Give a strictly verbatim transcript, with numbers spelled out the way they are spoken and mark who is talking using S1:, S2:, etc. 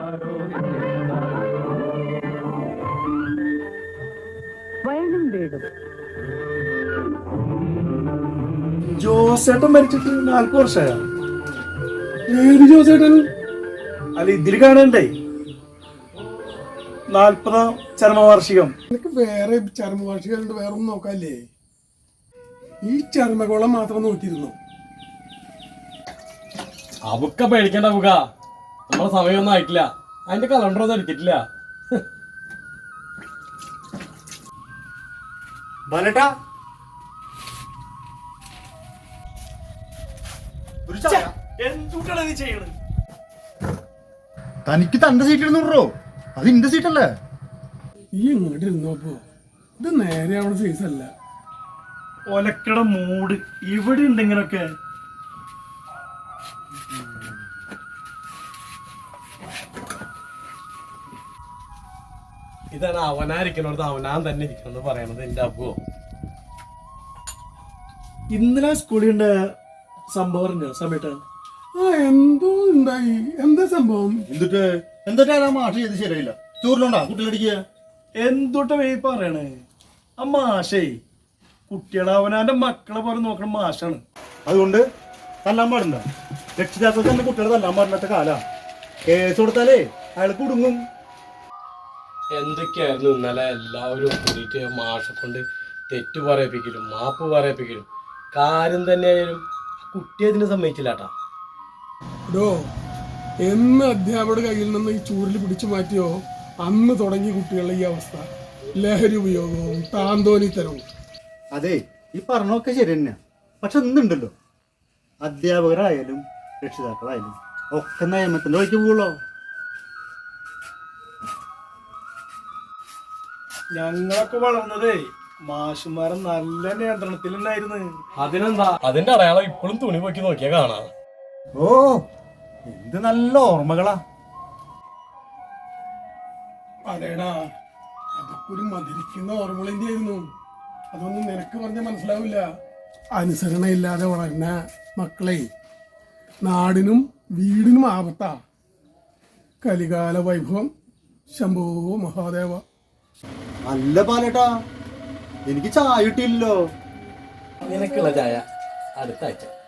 S1: വയനും വീടും.
S2: ജോസേട്ടൻ മരിച്ചിട്ട് നാൽപ്പത് വർഷമായ. ഏത് ജോസേട്ടൻ? അല്ല ഇതിൽ കാണണ്ടേ നാൽപ്പതാം ചരമവാർഷികം.
S3: നിനക്ക് വേറെ ചരമവാർഷികം വേറെ ഒന്നും നോക്കാല്ലേ? ഈ ചർമ്മകോളം മാത്രം നോക്കിയിരുന്നു.
S4: അവക്ക പേടിക്കണ്ട അവക്ക, നമ്മളെ സമയമൊന്നും ആയിട്ടില്ല. അതിന്റെ കലണ്ടർ ഒന്നും എടുത്തിട്ടില്ല.
S2: എന്തുട്ടാണ് നീ ചെയ്യണത്?
S5: തനിക്ക് തന്റെ സീറ്റ് ഇരുന്നൂറോ? അത് ഇന്റെ സീറ്റല്ലേ?
S3: ഈ ഇങ്ങോട്ട് ഇരുന്നപ്പോ ഇത് നേരെ അവിടെ സൈസ് അല്ല.
S2: ഒലക്കട മൂട് ഇവിടെ ഉണ്ട് ഇങ്ങനൊക്കെ.
S4: ഇതാണ് അവനായിരിക്കണോടത്ത് അവനാൻ തന്നെ ഇരിക്കണം എന്ന് പറയണത് എന്റെ അപ്പോ.
S2: ഇന്നലെ സ്കൂളിൽ ഉണ്ട് സംഭവം സമയത്ത്.
S3: ആ എന്തോ ഉണ്ടായി. എന്താ സംഭവം?
S5: എന്തിട്ട് എന്തിട്ടാ മാഷ് ചെയ്ത് ശരിയായില്ല? ചോറിലുണ്ടാ കുട്ടികളടിക്കുക?
S2: എന്തുട്ട വേ പറയണേ? ആ മാഷേ കുട്ടികളെ അവനാന്റെ മക്കളെ പോലെ നോക്കണ മാഷാണ്.
S5: അതുകൊണ്ട് തല്ലാൻ പാടില്ല. രക്ഷിതാക്കൾ തന്നെ കുട്ടികളെ തല്ലാൻ പാടില്ലാത്ത കാലാ. കേസ് കൊടുത്താലേ അയാൾ കുടുങ്ങും.
S4: എന്തൊക്കെയായിരുന്നു ഇന്നലെ എല്ലാവരും കൂടിയിട്ട് മാഷെ കൊണ്ട് തെറ്റ് പറയിപ്പിക്കലും മാപ്പ് പറയിപ്പിക്കലും. കാര്യം തന്നെയായാലും കുട്ടി അതിനെ സമ്മതിച്ചില്ലാട്ടാ.
S3: ഡോ എന്ന് അധ്യാപകരുടെ കയ്യിൽ നിന്ന് ഈ ചൂരിൽ പിടിച്ചു മാറ്റിയോ അന്ന് തുടങ്ങി കുട്ടികളുടെ ഈ അവസ്ഥ. ലഹരി ഉപയോഗവും താന്തോന്നിത്തരവും.
S5: അതെ, ഈ പറഞ്ഞൊക്കെ ശരി തന്നെയാ. പക്ഷെ ഇന്നുണ്ടല്ലോ അധ്യാപകരായാലും രക്ഷിതാക്കളായാലും ഒക്കെ നിയമത്തിന്റെ വഴിക്ക് പോകുള്ളോ?
S2: ഞങ്ങളൊക്കെ വളർന്നതേ മാഷുമാരെ നല്ല നിയന്ത്രണത്തിലുണ്ടായിരുന്നു.
S4: അതിനെന്താ, അതിന്റെ അടയാളം ഇപ്പോഴും തുണി പൊക്കി നോക്കിയാ കാണാം.
S5: ഓ എന്ത് നല്ല ഓർമ്മകളാ.
S3: അതേടാ, അതൊക്കെ ഒരു മധുരിക്കുന്ന ഓർമ്മകളിന്റെ ആയിരുന്നു. അതൊന്നും നിനക്ക് പറഞ്ഞാൽ മനസ്സിലാവില്ല. അനുസരണയില്ലാതെ വളർന്ന മക്കളെ നാടിനും വീടിനും ആപത്താ. കലികാല വൈഭവം. ശംഭോ മഹാദേവ.
S5: അല്ല പാലേട്ടാ, എനിക്ക് ചായ കിട്ടിയില്ലല്ലോ.
S4: നിനക്കുള്ള ചായ അടുത്ത ആഴ്ച.